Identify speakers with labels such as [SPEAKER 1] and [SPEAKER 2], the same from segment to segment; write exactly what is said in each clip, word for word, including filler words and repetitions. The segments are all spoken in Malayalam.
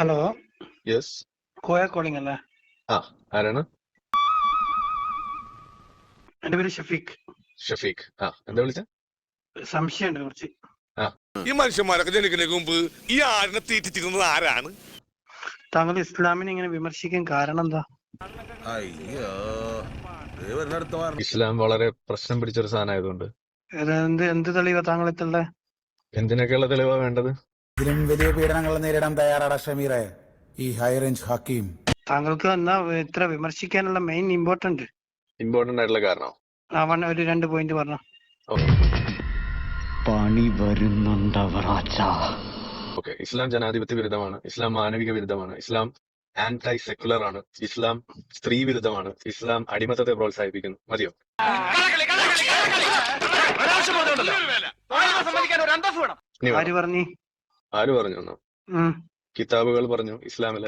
[SPEAKER 1] Hello,
[SPEAKER 2] yes.
[SPEAKER 1] കോയ കോളിംഗ് അല്ലേ?
[SPEAKER 2] ആ, ആരാണ്?
[SPEAKER 1] എന്റെ പേര് ഷഫീഖ്.
[SPEAKER 2] ഷഫീഖ്. ആ, എന്താ വിളിച്ച?
[SPEAKER 1] സംശയമുണ്ട് കുറച്ച്.
[SPEAKER 2] ആ,
[SPEAKER 3] ഈ മനുഷ്യന്മാരൊക്കെ ജനിക്കുന്നതിന് മുമ്പ് ഈ ആടിനെ തീറ്റിച്ചിരുന്നത് ആരാണ്?
[SPEAKER 1] താങ്കൾ ഇസ്ലാമിനെ ഇങ്ങനെ വിമർശിക്കാൻ കാരണം എന്താ?
[SPEAKER 3] അയ്യോ,
[SPEAKER 2] ഇസ്ലാം വളരെ പ്രശ്നം പിടിച്ചൊരു സാധനമായതുകൊണ്ട്.
[SPEAKER 1] ഇത് എന്ത് എന്ത് തെളിവാ താങ്കൾ എത്തുള്ള?
[SPEAKER 2] എന്തിനൊക്കെയുള്ള തെളിവാ വേണ്ടത്?
[SPEAKER 4] ഇതിലും വലിയ പീഡനങ്ങൾ നേരിടാൻ തയ്യാറാണ് ഷമീറെ ഈ ഹൈറേഞ്ച് ഹക്കീം.
[SPEAKER 1] താങ്കൾക്ക് എന്നാ ഇത്ര വിമർശിക്കാനുള്ള മെയിൻ ഇമ്പോർട്ടന്റ്
[SPEAKER 2] ഇമ്പോർട്ടന്റ് ആയിട്ടുള്ള കാരണം
[SPEAKER 1] അവൻ ഒരു രണ്ട് പോയിന്റ് പറഞ്ഞു.
[SPEAKER 5] പണി വരുന്നുണ്ടവറാച്ച.
[SPEAKER 2] ഓക്കെ, ഇസ്ലാം ജനാധിപത്യ വിരുദ്ധമാണ്, ഇസ്ലാം മാനവിക വിരുദ്ധമാണ്, ഇസ്ലാം ആന്റൈ സെക്കുലർ ആണ്, ഇസ്ലാം സ്ത്രീ വിരുദ്ധമാണ്, ഇസ്ലാം അടിമത്തത്തെ പ്രോത്സാഹിപ്പിക്കുന്നു. മതിയോ? ഇനി
[SPEAKER 1] ആര്
[SPEAKER 2] വേണോ?
[SPEAKER 1] പറഞ്ഞു?
[SPEAKER 2] ആര് പറഞ്ഞു എന്നാ?
[SPEAKER 1] ഉം.
[SPEAKER 2] കിതാബുകൾ പറഞ്ഞു ഇസ്ലാമിലെ.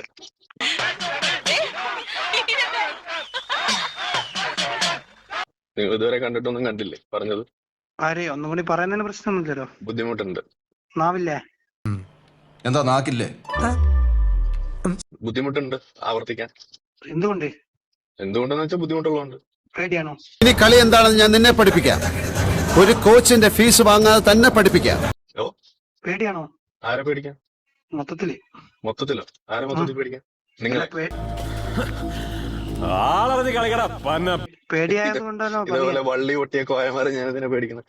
[SPEAKER 2] നിങ്ങൾ ഇതുവരെ കണ്ടിട്ടൊന്നും കണ്ടില്ലേ പറഞ്ഞത്?
[SPEAKER 1] ആര്? ഒന്നും കൂടി പറയുന്നതിന് പ്രശ്നമൊന്നുമില്ലല്ലോ.
[SPEAKER 2] ബുദ്ധിമുട്ടുണ്ട്.
[SPEAKER 1] നാവില്ലേ?
[SPEAKER 6] എന്താ നാക്കില്ലേ?
[SPEAKER 2] ബുദ്ധിമുട്ടുണ്ട് ആവർത്തിക്കാൻ.
[SPEAKER 1] എന്തുകൊണ്ട്?
[SPEAKER 2] എന്തുകൊണ്ടെന്ന് വെച്ചാൽ ബുദ്ധിമുട്ടുള്ളതുകൊണ്ട്.
[SPEAKER 1] പേടിയാണോ?
[SPEAKER 4] ഇനി കളി എന്താണെന്ന് ഞാൻ നിന്നെ പഠിപ്പിക്കാം. ഒരു കോച്ചിന്റെ ഫീസ് വാങ്ങാതെ തന്നെ പഠിപ്പിക്കാം.
[SPEAKER 2] ഓ,
[SPEAKER 1] പേടിയാണോ?
[SPEAKER 2] ആരെ പേടിക്കാൻ?
[SPEAKER 1] മൊത്തത്തില്
[SPEAKER 2] മൊത്തത്തിലോ? ആരെ മൊത്തത്തിൽ പേടിക്കാൻ? നിങ്ങളെ.
[SPEAKER 1] പേടിയായത് കൊണ്ടാണോ?
[SPEAKER 2] ഇതേപോലെ വള്ളി പൊട്ടിയ കോയമാരെ ഞാൻ ഇതിനെ പേടിക്കുന്നത്.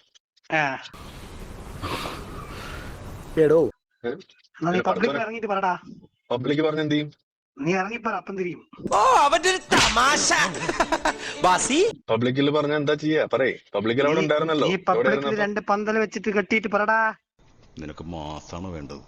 [SPEAKER 1] പബ്ലിക് ഇറങ്ങിട്ട് പറടാ.
[SPEAKER 2] പബ്ലിക് പറഞ്ഞ എന്ത് ചെയ്യും?
[SPEAKER 1] നീ ഇറങ്ങിപ്പറ, അപ്പം തിരിയും.
[SPEAKER 2] പബ്ലിക്കിൽ പറഞ്ഞ എന്താ ചെയ്യാ? പറയേ. പബ്ലിക്കിൽ അവിടെ ഉണ്ടായിരുന്നല്ലോ.
[SPEAKER 1] ഈ പബ്ലിക്കിൽ രണ്ട് പന്തൽ വെച്ചിട്ട് കെട്ടിയിട്ട് പറടാ.
[SPEAKER 6] നിനക്ക് മാസാണ് വേണ്ടത്.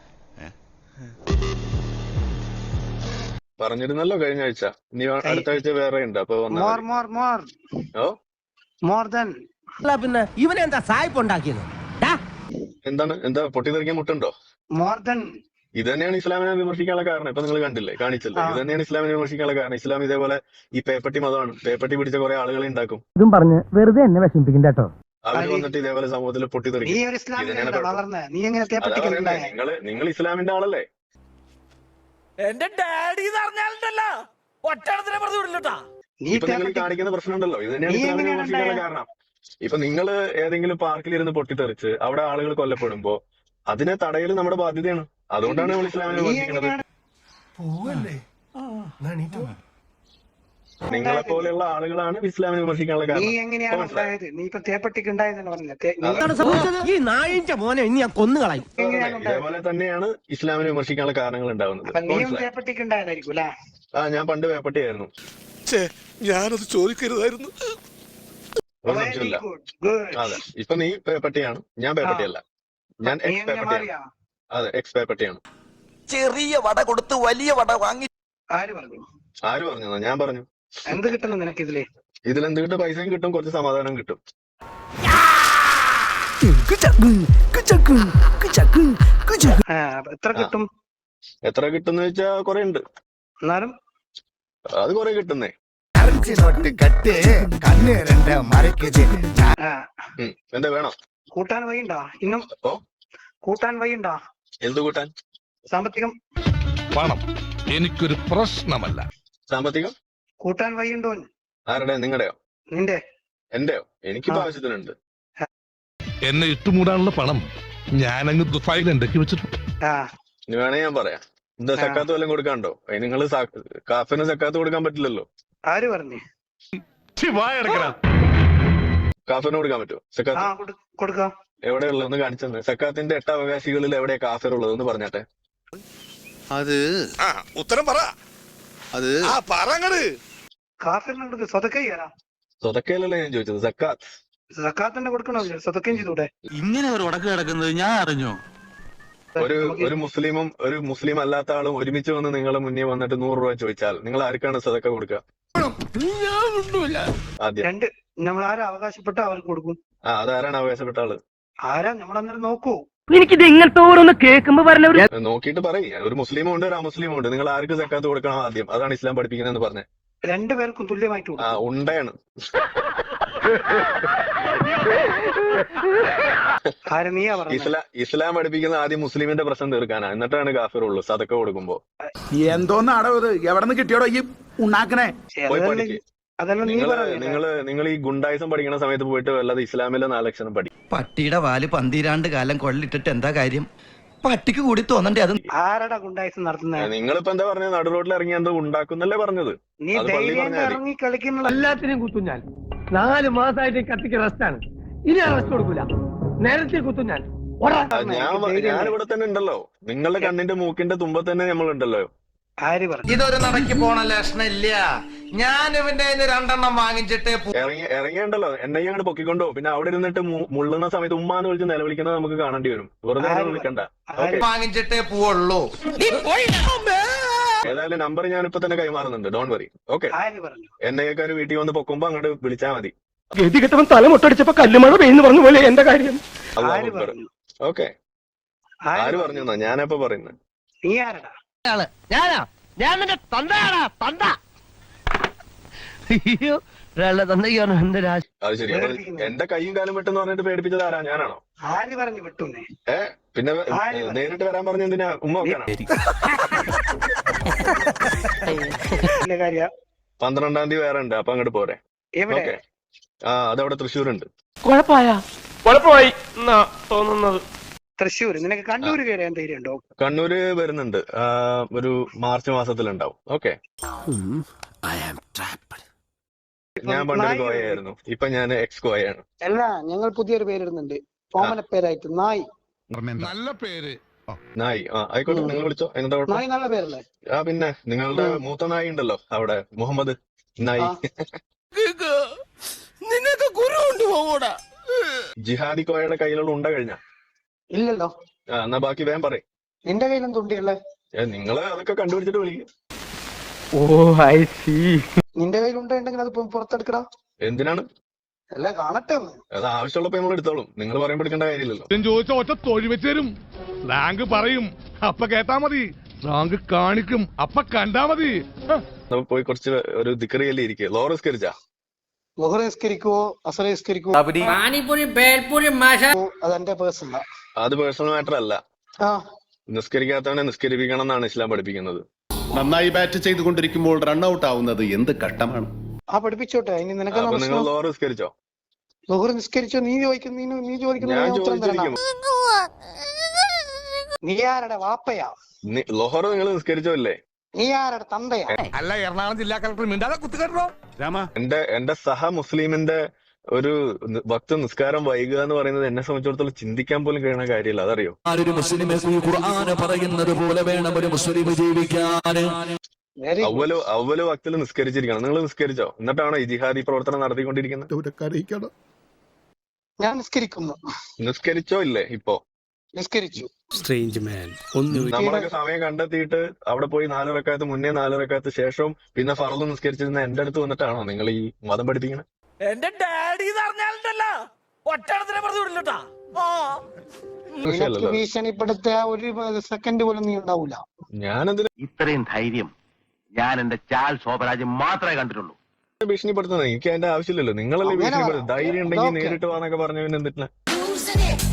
[SPEAKER 2] പറഞ്ഞിരുന്നല്ലോ കഴിഞ്ഞ ആഴ്ച. ഇനി അടുത്ത ആഴ്ച വേറെ ഉണ്ട്. അപ്പൊ
[SPEAKER 1] more more more
[SPEAKER 2] oh
[SPEAKER 1] more than.
[SPEAKER 7] പിന്നെ ഇവനെന്താ സായിപ്പ് ഉണ്ടാക്കിയത്?
[SPEAKER 2] എന്താണ്? എന്താ പൊട്ടിത്തെറിക്കാൻ മുട്ടുണ്ടോ?
[SPEAKER 1] More than.
[SPEAKER 2] ഇത് തന്നെയാണ് ഇസ്ലാമിനെ വിമർശിക്കാനുള്ള കാരണം. ഇപ്പൊ നിങ്ങൾ കണ്ടില്ലേ, കാണിച്ചല്ലേ? ഇത് തന്നെയാണ് ഇസ്ലാമിനെ വിമർശിക്കാനുള്ള കാരണം. ഇസ്ലാം ഇതേപോലെ ഈ പേപ്പട്ടി മതമാണ്. പേപ്പട്ടി പിടിച്ച കുറെ ആളുകളെ ഉണ്ടാക്കും.
[SPEAKER 7] ഇതും പറഞ്ഞ് വെറുതെ എന്നെ വിഷമിപ്പിക്കും കേട്ടോ.
[SPEAKER 2] അവർ വന്നിട്ട് ഇതേപോലെ സമൂഹത്തിൽ
[SPEAKER 1] നീ
[SPEAKER 2] പൊട്ടിത്തെറിക്കും.
[SPEAKER 1] ഒരു ഇസ്ലാമിലല്ലേ വളർന്നേ? നീ എങ്ങനെ തേപ്പട്ടിക്കുണ്ടായ?
[SPEAKER 2] നിങ്ങള് നിങ്ങൾ ഇസ്ലാമിന്റെ ആളല്ലേ?
[SPEAKER 7] എന്റെ ഡാഡി പറഞ്ഞാലുണ്ടല്ലോ ഒറ്റടത്തിനെ പറഞ്ഞു വിടില്ലട്ടാ.
[SPEAKER 2] ഇപ്പൊ നിങ്ങൾ കാണിക്കുന്ന പ്രശ്നമുണ്ടല്ലോ. ഇത് തന്നെയാണ് ഇസ്ലാമിനെ വിമർശിക്കാനുള്ള കാരണം. ഇപ്പൊ നിങ്ങള് ഏതെങ്കിലും പാർക്കിൽ ഇരുന്ന് പൊട്ടിത്തെറിച്ച് അവിടെ ആളുകൾ കൊല്ലപ്പെടുമ്പോ അതിനെ തടയൽ നമ്മുടെ ബാധ്യതയാണ്. അതുകൊണ്ടാണ് നമ്മൾ ഇസ്ലാമിനെ വിമർശിക്കുന്നത്. നിങ്ങളെ പോലെയുള്ള ആളുകളാണ് ഇസ്ലാമിനെ വിമർശിക്കാനുള്ള
[SPEAKER 1] നീ
[SPEAKER 2] കാരണം.
[SPEAKER 1] എങ്ങനെയാണ് ഉണ്ടായത്? നീ ഇപ്പൊ തേപ്പട്ടിക്ക് ഉണ്ടായതെന്ന് പറഞ്ഞില്ലേ?
[SPEAKER 7] ഈ നായിന്റെ മോനെ ഇനി ഞാൻ കൊന്നുകളയും.
[SPEAKER 1] എങ്ങനെയാണ് ഉണ്ടായത്?
[SPEAKER 2] ഇതേപോലെ തന്നെയാണ് ഇസ്ലാമിനെ വിമർശിക്കാനുള്ള കാരണങ്ങൾ ഉണ്ടാവുന്നത്.
[SPEAKER 1] അപ്പൊ നീയും തേപ്പട്ടിക്ക് ഉണ്ടായതായിരിക്കും അല്ലേ?
[SPEAKER 2] ആ, ഞാൻ പണ്ട് പേപ്പട്ടിയായിരുന്നു.
[SPEAKER 3] ഞാനത് ചോദിക്കരുതായിരുന്നു.
[SPEAKER 2] ഒരു സംശയമില്ല. അതെ, ഇപ്പൊ നീ പേപ്പട്ടിയാണ്, ഞാൻ പേപ്പട്ടിയല്ല. ഞാൻ
[SPEAKER 1] നീ
[SPEAKER 2] എക്സ്
[SPEAKER 1] എങ്ങനെ
[SPEAKER 2] പേപ്പട്ടിയാണ്.
[SPEAKER 1] മാറിയാ?
[SPEAKER 2] അതെ, എക്സ് പേപ്പട്ടിയാണ്.
[SPEAKER 7] ചെറിയ വട കൊടുത്ത് വലിയ വട വാങ്ങി.
[SPEAKER 1] ആര് പറഞ്ഞു?
[SPEAKER 2] ആര് പറഞ്ഞു? ഞാൻ പറഞ്ഞു.
[SPEAKER 1] എന്ത് കിട്ടുന്നു നിനക്ക് ഇതില്?
[SPEAKER 2] ഇതിലെന്ത് കിട്ടും? പൈസയും കിട്ടും, കുറച്ച് സമാധാനം കിട്ടും.
[SPEAKER 1] ആ, എത്ര കിട്ടും?
[SPEAKER 2] എത്ര കിട്ടുന്ന വെച്ചാ കൊറേ ഉണ്ട്.
[SPEAKER 1] എന്നാലും
[SPEAKER 2] അത് കൊറേ കിട്ടുന്നേ.
[SPEAKER 1] ആ,
[SPEAKER 2] ഉം, എന്താ വേണം?
[SPEAKER 1] കൂട്ടാൻ വഴിയുണ്ടോ? ഇന്നും
[SPEAKER 2] ഓ,
[SPEAKER 1] കൂട്ടാൻ വഴിയുണ്ടോ?
[SPEAKER 2] എന്ത് കൂട്ടാൻ?
[SPEAKER 1] സാമ്പത്തികം
[SPEAKER 3] പണം എനിക്കൊരു പ്രശ്നമല്ല.
[SPEAKER 2] സാമ്പത്തികം
[SPEAKER 1] കൂട്ടാൻ വഴിയുണ്ടോ?
[SPEAKER 2] ആരുടെ? നിങ്ങളുടെയോ?
[SPEAKER 1] നിന്റെ?
[SPEAKER 2] എന്റെയോ? എനിക്കിപ്പോ
[SPEAKER 1] ആ.
[SPEAKER 2] ആവശ്യത്തിനുണ്ട്.
[SPEAKER 3] എന്നെ ഇട്ടുമൂടാനുള്ള പണം ഞാനങ്ങ് ദുബായിൽ ഉണ്ടാക്കി വെച്ചിട്ടുണ്ട്.
[SPEAKER 1] ആ,
[SPEAKER 2] ഇനി വേണേ ഞാൻ പറയാം. എന്താ സക്കാത്ത് വല്ലതും കൊടുക്കാണ്ടോ? നിങ്ങൾ കാഫിന് സക്കാത്ത് കൊടുക്കാൻ പറ്റില്ലല്ലോ.
[SPEAKER 1] ആര് പറഞ്ഞു?
[SPEAKER 2] കാഫിന് കൊടുക്കാൻ പറ്റുമോ
[SPEAKER 1] ആ,
[SPEAKER 2] സക്കാത്ത്?
[SPEAKER 1] കൊടു- കൊടുക്കാം.
[SPEAKER 2] എവിടെയുള്ളത്? ഒന്ന് കാണിച്ചെന്ന്. സക്കാത്തിന്റെ എട്ട് അവകാശികളിൽ എവിടെയാ കാഫിർ ഉള്ളത്? ഒന്ന് പറഞ്ഞാട്ടെ.
[SPEAKER 6] അത്
[SPEAKER 3] ആ ഉത്തരം പറ.
[SPEAKER 6] അത്
[SPEAKER 3] ആ പറങ്ങട്.
[SPEAKER 1] കാഫിറിന് കൊടുക്ക. സ്വതക്ക ചെയ്യാനാ?
[SPEAKER 2] സ്വതക്കയിലല്ലേ ഞാൻ ചോദിച്ചത്. സക്കാത്ത്.
[SPEAKER 1] സക്കാത്തന്നെ കൊടുക്കണോ? സ്വതക്കയും ചെയ്തൂടെ?
[SPEAKER 6] ഇങ്ങനെ ഒരു ഉടക്ക് കിടക്കുന്നത് ഞാൻ അറിഞ്ഞു.
[SPEAKER 2] ഒരു
[SPEAKER 1] നമുക്ക്
[SPEAKER 2] ഒരു മുസ്ലിമും ഒരു മുസ്ലിം അല്ലാത്ത ആളും ഒരുമിച്ച് വന്ന് നിങ്ങളെ മുന്നേ വന്നിട്ട് നൂറ് രൂപ ചോദിച്ചാൽ നിങ്ങൾ ആർക്കാണ് സദക്ക കൊടുക്കുക? ആദ്യം
[SPEAKER 1] രണ്ട് നമ്മൾ ആരാ അവകാശപ്പെട്ട അവർക്ക് കൊടുക്കും.
[SPEAKER 2] ആ, അതാരാണ് അവകാശപ്പെട്ട ആള്?
[SPEAKER 1] ആരാ? നമ്മളന്നേരം നോക്കൂ.
[SPEAKER 7] എനിക്കിത് ഇങ്ങനത്തെ ഓരോന്ന് കേൾക്കുമ്പോ പറഞ്ഞ ഒരു
[SPEAKER 2] നോക്കിയിട്ട് പറയും. ഒരു മുസ്ലിമും ഉണ്ട്, ഒരു അമുസ്ലിമും ഉണ്ട്. നിങ്ങൾ ആർക്ക് സക്കാത്ത് കൊടുക്കണം ആദ്യം? അതാണ് ഇസ്ലാം പഠിപ്പിക്കുന്നതെന്ന് പറഞ്ഞത്.
[SPEAKER 1] രണ്ടുപേർക്കും തുല്യമായിട്ട്
[SPEAKER 2] ആ
[SPEAKER 1] കൊടുക്കും.
[SPEAKER 2] ഉണ്ടയാണ്.
[SPEAKER 1] ആര് നീയാ പറഞ്ഞത്?
[SPEAKER 2] ഇസ്ലാം ഇസ്ലാം പഠിപ്പിക്കുന്ന ആദ്യം മുസ്ലിമിന്റെ പ്രശ്നം തീർക്കാനാ, എന്നിട്ടാണ് കാഫിർ ഉള്ളൂ സദക്ക കൊടുക്കുമ്പോ.
[SPEAKER 8] എന്തോന്നാടോ ഇത്? എവിടെ നിന്ന് കിട്ടിയോടോ ഈ ഉണ്ടാക്കണേ?
[SPEAKER 1] ശ്ശെ,
[SPEAKER 2] പോയി
[SPEAKER 1] അതല്ല
[SPEAKER 2] പഠിക്ക്.
[SPEAKER 1] അതല്ല നീ
[SPEAKER 2] നിങ്ങള്
[SPEAKER 1] പറഞ്ഞത്.
[SPEAKER 2] നിങ്ങള് നിങ്ങൾ ഈ ഗുണ്ടായിസം പഠിക്കുന്ന സമയത്ത് പോയിട്ട് വല്ലാതെ ഇസ്ലാമിലെ നാലക്ഷരം പഠിക്കും.
[SPEAKER 7] പട്ടിയുടെ വാല് പന്തിരാണ്ട് കാലം കൊള്ളിട്ടിട്ട് എന്താ കാര്യം? പട്ടിക്ക് കൂടി തോന്നണ്ടേ അത്?
[SPEAKER 1] ആരടാ ഗുണ്ടായിസം നടത്തുന്നത്?
[SPEAKER 2] നിങ്ങളിപ്പോ എന്താ പറഞ്ഞത്? നടു റോഡിൽ ഇറങ്ങി എന്തോ ഉണ്ടാക്കുന്നല്ലേ പറഞ്ഞത്?
[SPEAKER 1] നീ
[SPEAKER 2] അത് പള്ളി
[SPEAKER 1] ധൈര്യം
[SPEAKER 2] പറഞ്ഞാൽ മതി.
[SPEAKER 1] ഇറങ്ങി കളിക്കുന്ന
[SPEAKER 7] എല്ലാത്തിനെയും കുത്തും ഞാൻ. നാല് മാസമായിട്ട് കത്തിക്ക് റെസ്റ്റാണ്. ഇനി ഞാൻ റെസ്റ്റ് കൊടുക്കൂല. നേരത്തെ കുത്തും ഞാൻ.
[SPEAKER 2] ആ, ഞാൻ ഞാൻ ഇവിടെ തന്നെ ഉണ്ടല്ലോ. നിങ്ങളുടെ കണ്ണിന്റെ മൂക്കിന്റെ തുമ്പത്ത് തന്നെ നമ്മളുണ്ടല്ലോ.
[SPEAKER 1] ആര് പറഞ്ഞു?
[SPEAKER 7] ഇതൊരു നടക്കി പോണ ലക്ഷണില്ല. ഞാൻ ഇവന്റെ രണ്ടെണ്ണം വാങ്ങിച്ചിട്ട്
[SPEAKER 2] ഇറങ്ങി ഇറങ്ങിയുണ്ടല്ലോ എന്നെ അങ്ങോട്ട് പൊക്കിക്കൊണ്ടോ. പിന്നെ അവിടെ ഇരുന്നിട്ട് മു- മുള്ളുന്ന സമയത്ത് ഉമ്മാന്ന് വിളിച്ച് നിലവിളിക്കുന്നത് നമുക്ക് കാണേണ്ടി വരും. വെറുതെ
[SPEAKER 1] ആര്
[SPEAKER 2] അങ്ങനെ വിളിക്കണ്ട. ഓക്കെ,
[SPEAKER 7] വാങ്ങിച്ചിട്ടേ പോവുള്ളൂ.
[SPEAKER 2] ഏതായാലും നമ്പർ ഞാൻ ഇപ്പൊ തന്നെ കൈമാറുന്നുണ്ട്. Don't worry. ഓക്കെ,
[SPEAKER 1] ആര് പറഞ്ഞു?
[SPEAKER 2] എന്നെയൊക്കെ ഒരു വീട്ടിൽ വന്ന് പൊക്കുമ്പോ അങ്ങോട്ട് വിളിച്ചാൽ മതി.
[SPEAKER 7] ഗതി കെട്ടവൻ തല മുട്ടടിച്ചപ്പോ കല്ലുമഴ പെയ്യുന്നു പറഞ്ഞ പോലെ എന്റെ കാര്യം.
[SPEAKER 1] ആര് പറഞ്ഞു?
[SPEAKER 2] ഓക്കെ, ആര് പറഞ്ഞു? ഞാനപ്പോ പറയുന്നത്
[SPEAKER 1] നീ ആരടാ?
[SPEAKER 7] ഞാനാ ഞാൻ നിന്റെ തന്തയാടാ തന്ത. അയ്യോ തന്തയ്ക്കാണ് എന്റെ രാശി.
[SPEAKER 2] അത് ശരി. അപ്പൊ എന്റെ കൈയും കാലും വിട്ടെന്ന് പറഞ്ഞിട്ട് പേടിപ്പിച്ചത് ആരാ? ഞാനാണോ?
[SPEAKER 1] ആര് പറഞ്ഞു വിട്ടുന്നേ?
[SPEAKER 2] ഏ പിന്നെ
[SPEAKER 1] ആര് പറഞ്ഞു?
[SPEAKER 2] നേരിട്ട് വരാൻ പറഞ്ഞ എന്തിനാ? ഉമ്മ വെക്കാനാ?
[SPEAKER 1] ഇല്ല കാര്യ.
[SPEAKER 2] പന്ത്രണ്ടാം തീയതി വേറെ ഉണ്ട്, അപ്പൊ അങ്ങോട്ട് പോരെ.
[SPEAKER 1] എവിടെ?
[SPEAKER 2] ഓക്കെ, ആ അതവിടെ തൃശ്ശൂരുണ്ട്.
[SPEAKER 7] കുഴപ്പമായ കുഴപ്പമായി എന്നാ തോന്നുന്നത്.
[SPEAKER 1] തൃശ്ശൂർ. നിനക്ക് കണ്ണൂർ കയറിയാൻ ധൈര്യം ഉണ്ടോ?
[SPEAKER 2] കണ്ണൂര് വരുന്നുണ്ട്, ആ, ഒരു മാർച്ച് മാസത്തിലുണ്ടാവും. ഓക്കെ, ഞാൻ പണ്ടൊരു കോയയായിരുന്നു, ഇപ്പൊ ഞാൻ എക്സ് കോയയാണ്.
[SPEAKER 1] അല്ല, ഞങ്ങൾ പുതിയൊരു പേരിടുന്നുണ്ട്. ഓമന പേരായിട്ട് നായ്.
[SPEAKER 3] നല്ല പേര്.
[SPEAKER 2] നായി. ആ ആയിക്കോട്ടെ, നിങ്ങൾ വിളിച്ചോ. എന്താ കുഴപ്പം?
[SPEAKER 1] നായ് നല്ല പേരല്ലേ?
[SPEAKER 2] ആ പിന്നെ നിങ്ങളുടെ മൂത്ത നായി ഉണ്ടല്ലോ അവിടെ, മുഹമ്മദ് നായി.
[SPEAKER 7] നിനക്ക് ഗുരു കൊണ്ട് പോകൂടാ.
[SPEAKER 2] ജിഹാദി കോയയുടെ കയ്യിലുള്ള ഉണ്ട കഴിഞ്ഞ?
[SPEAKER 1] ഇല്ലല്ലോ.
[SPEAKER 2] ആ എന്നാ ബാക്കി വേഗം പറയും.
[SPEAKER 1] നിന്റെ കയ്യിലും തുണ്ടിയല്ലേ?
[SPEAKER 2] നിങ്ങള് അതൊക്കെ കണ്ടുപിടിച്ചിട്ട് വിളിക്കും.
[SPEAKER 7] Oh I see.
[SPEAKER 1] നിന്റെ കയ്യിൽ ഉണ്ടെങ്കിൽ അത് പു- പുറത്തെടുക്കടാ.
[SPEAKER 2] എന്തിനാണ്?
[SPEAKER 1] അല്ല, കാണട്ടെ ഒന്ന്.
[SPEAKER 2] അത് ആവശ്യമുള്ളപ്പോ നമ്മൾ എടുത്തോളും. നിങ്ങൾ പറയുമ്പോൾ എടുക്കേണ്ട കാര്യമില്ലല്ലോ.
[SPEAKER 3] ഞാൻ ചോദിച്ച ഒറ്റ തൊഴി വെച്ച് തരും. റാങ്ക് പറയും, അപ്പ കേട്ടാ മതി. റാങ്ക് കാണിക്കും, അപ്പ കണ്ടാ മതി.
[SPEAKER 2] നമുക്ക് പോയി കുറച്ച് ഒരു ദിക്കറിയല്ലേ ഇരിക്കുക. ലോറസ്കരിച്ചാ
[SPEAKER 1] ലുഹർ നിസ്കരിക്കുവോ അസർ നിസ്കരിക്കുവോ
[SPEAKER 7] പാനിപൂരി ബേൽപൂരി മഷ.
[SPEAKER 1] അതെന്റെ പേഴ്സണലാ.
[SPEAKER 2] അത് പേഴ്സണൽ മാറ്റർ അല്ല.
[SPEAKER 1] ആ
[SPEAKER 2] നിസ്കരിക്കാത്തവനെ നിസ്കരിപ്പിക്കണം എന്നാണ് ഇസ്ലാം പഠിപ്പിക്കുന്നത്.
[SPEAKER 8] നന്നായി ബാറ്റ് ചെയ്തുകൊണ്ടിരിക്കുമ്പോൾ റൺഔട്ട് ആവുന്നത് എന്ത് കഷ്ടമാണ്.
[SPEAKER 1] ആ പഠിപ്പിച്ചോട്ടെ. ഇനി നിനക്ക്
[SPEAKER 2] അപ്പൊ നിങ്ങൾ ലോറ നിസ്കരിച്ചോ?
[SPEAKER 1] ലുഹർ നിസ്കരിച്ചോ? നീ ചോദിക്കുന്ന നീ നീ ചോദിക്കുന്ന
[SPEAKER 2] ഞാൻ
[SPEAKER 1] ഞാൻ ഉത്തരം തരണം.
[SPEAKER 2] ചോദിച്ചിരിക്കും.
[SPEAKER 1] നീ ആരുടെ വാപ്പയാ?
[SPEAKER 2] ലോഹർ നിങ്ങൾ നിസ്കരിച്ചോ ഇല്ലേ?
[SPEAKER 1] നീ ആരുടെ തന്തയാ?
[SPEAKER 3] അല്ല, എറണാകുളം ജില്ലാ കളക്ടർ മിണ്ടാതെ കുത്തുകെട്ടോ.
[SPEAKER 2] എന്റെ എന്റെ സഹ മുസ്ലിമിന്റെ ഒരു ഭക്ത നിസ്കാരം വൈകുക എന്ന് പറയുന്നത് എന്നെ സംബന്ധിച്ചിടത്തോളം ചിന്തിക്കാൻ പോലും കഴിയുന്ന കാര്യമില്ല. അതറിയോ?
[SPEAKER 9] ഒരു മുസ്ലിമെ ഖുർആന് പറയുന്നത് പോലെ വേണം ഒരു മുസ്ലിം ജീവിക്കാൻ.
[SPEAKER 1] Very good.
[SPEAKER 2] അവല് അവല് ഭക്തിൽ നിസ്കരിച്ചിരിക്കണം. നിങ്ങൾ നിസ്കരിച്ചോ? എന്നിട്ടാണോ ഈ ജിഹാദി പ്രവർത്തനം നടത്തിക്കൊണ്ടിരിക്കുന്നത്?
[SPEAKER 1] ഞാൻ നിസ്കരിക്കുന്നു.
[SPEAKER 2] നിസ്കരിച്ചോ ഇല്ലേ? ഇപ്പോ
[SPEAKER 1] നിസ്കരിച്ചു.
[SPEAKER 2] നമ്മളൊക്കെ സമയം കണ്ടെത്തിയിട്ട് അവിടെ പോയി നാല് റക്അത്ത് മുന്നേ, നാല് റക്അത്ത് ശേഷവും പിന്നെ ഫർദ് നിസ്കരിച്ചിരുന്ന എന്റെ അടുത്ത് വന്നിട്ടാണോ നിങ്ങൾ ഈ മതം പഠിപ്പിക്കണേ?
[SPEAKER 7] എന്റെ ഡാഡി പറഞ്ഞാലുണ്ടല്ലോ ഒറ്റടത്തിനെ പറഞ്ഞു വിടില്ലട്ടാ.
[SPEAKER 1] നിനക്ക് ഭീഷണിപ്പെടുത്തിയ ഒരു സെക്കൻഡ് പോലും നീ ഉണ്ടാവൂല.
[SPEAKER 2] ഞാനെന്തിനാ
[SPEAKER 5] ഇത്രയും ധൈര്യം ഞാൻ എന്റെ ചാൽ ശോഭരാജ് മാത്രമേ കണ്ടിട്ടുള്ളൂ.
[SPEAKER 2] ഭീഷണിപ്പെടുത്തുന്നത്? എനിക്ക് അതിന്റെ ആവശ്യമില്ലല്ലോ. നിങ്ങളല്ലേ
[SPEAKER 1] അങ്ങനെ
[SPEAKER 2] ഭീഷണിപ്പെടുത്തുന്നത്.
[SPEAKER 1] പറ.
[SPEAKER 2] ധൈര്യം ഉണ്ടെങ്കിൽ
[SPEAKER 1] അതൊക്കെ.
[SPEAKER 2] നേരിട്ട് വാന്നൊക്കെ പറഞ്ഞവന് എന്തിട്ടില്ല.